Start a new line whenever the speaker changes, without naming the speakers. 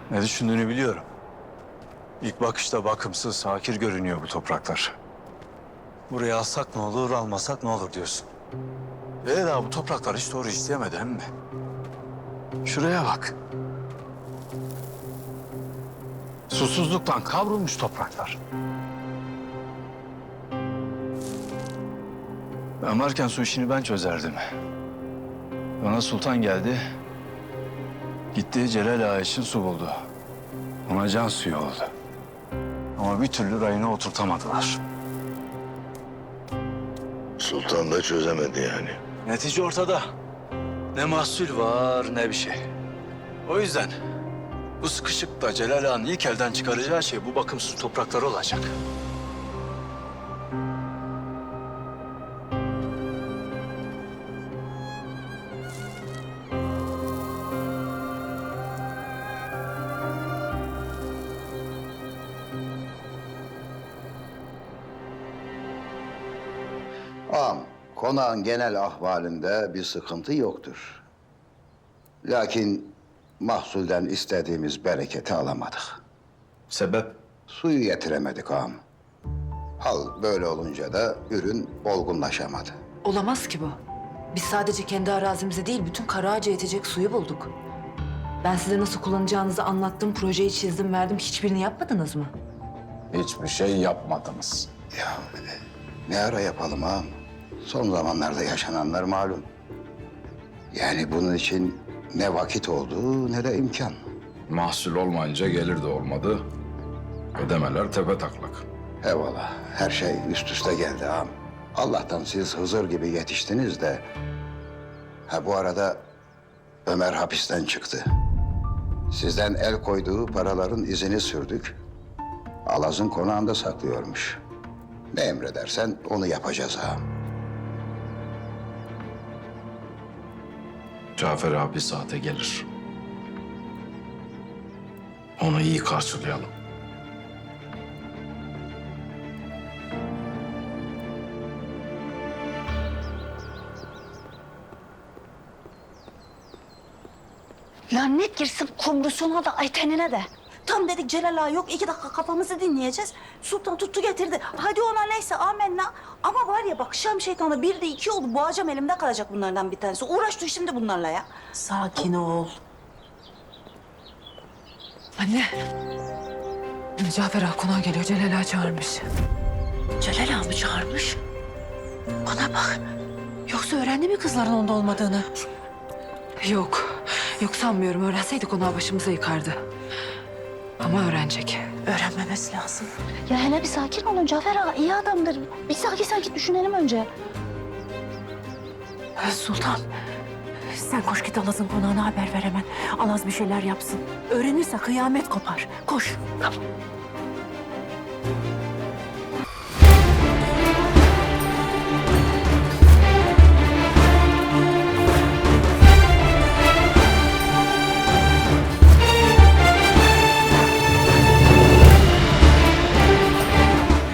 Ne düşündüğünü biliyorum. İlk bakışta bakımsız, hakir görünüyor bu topraklar. Buraya alsak ne olur, almasak ne olur diyorsun. Daha bu topraklar hiç doğru işleyemedi emmi. Şuraya bak. Susuzluktan kavrulmuş topraklar. Ben varken su işini ben çözerdim. Bana sultan geldi. Gitti Celal Ağa için su buldu. Ona can suyu oldu. Ama bir türlü rayına oturtamadılar.
Sultan da çözemedi yani.
Netice ortada. Ne mahsul var ne bir şey. O yüzden bu sıkışıkta Celal Ağa'nın ilk elden çıkaracağı şey bu bakımsız toprakları olacak.
Ağam, konağın genel ahvalinde bir sıkıntı yoktur. Lakin mahsulden istediğimiz bereketi alamadık.
Sebep?
Suyu getiremedik ağam. Hal böyle olunca da ürün olgunlaşamadı.
Olamaz ki bu. Biz sadece kendi arazimize değil, bütün Karaağaç'a yetecek suyu bulduk. Ben size nasıl kullanacağınızı anlattım, projeyi çizdim, verdim. Hiçbirini yapmadınız mı?
Hiçbir şey yapmadınız.
Ya ne ara yapalım ağam? Son zamanlarda yaşananlar malum. Yani bunun için ne vakit oldu ne de imkan.
Mahsul olmayınca gelir de olmadı. Ödemeler tepetaklak.
Eyvallah, her şey üst üste geldi ağam. Allah'tan siz Hızır gibi yetiştiniz de... Ha bu arada Ömer hapisten çıktı. Sizden el koyduğu paraların izini sürdük. Alaz'ın konağında saklıyormuş. Ne emredersen onu yapacağız ağam.
Cafer abi saate gelir. Onu iyi karşılayalım.
Lanet girsin kumrusuna da ay tenine de. Tam dedik Celal Ağa yok, 2 dakika kafamızı dinleyeceğiz. Sultan tuttu getirdi. Hadi ona neyse amenna. Ama var ya bak Şam şeytanı 1'de 2 oldu. Boğacağım elimde kalacak bunlardan bir tanesi. Uğraş şimdi bunlarla ya.
Sakin ol. Anne. Cafer Ağa konağa geliyor, Celal Ağa çağırmış.
Celal Ağa mı çağırmış? Bana bak.
Yoksa öğrendi mi kızların onda olmadığını? Yok. Yok sanmıyorum. Öğrenseydik konağı başımıza yıkardı. Ama öğrenecek.
Öğrenmemesi lazım. Ya hele bir sakin olun Cafer Ağa iyi adamdır. Bir sakin düşünelim önce.
Sultan, sen koş git Alaz'ın konağına haber ver hemen. Alaz bir şeyler yapsın. Öğrenirse kıyamet kopar. Koş.
Tamam.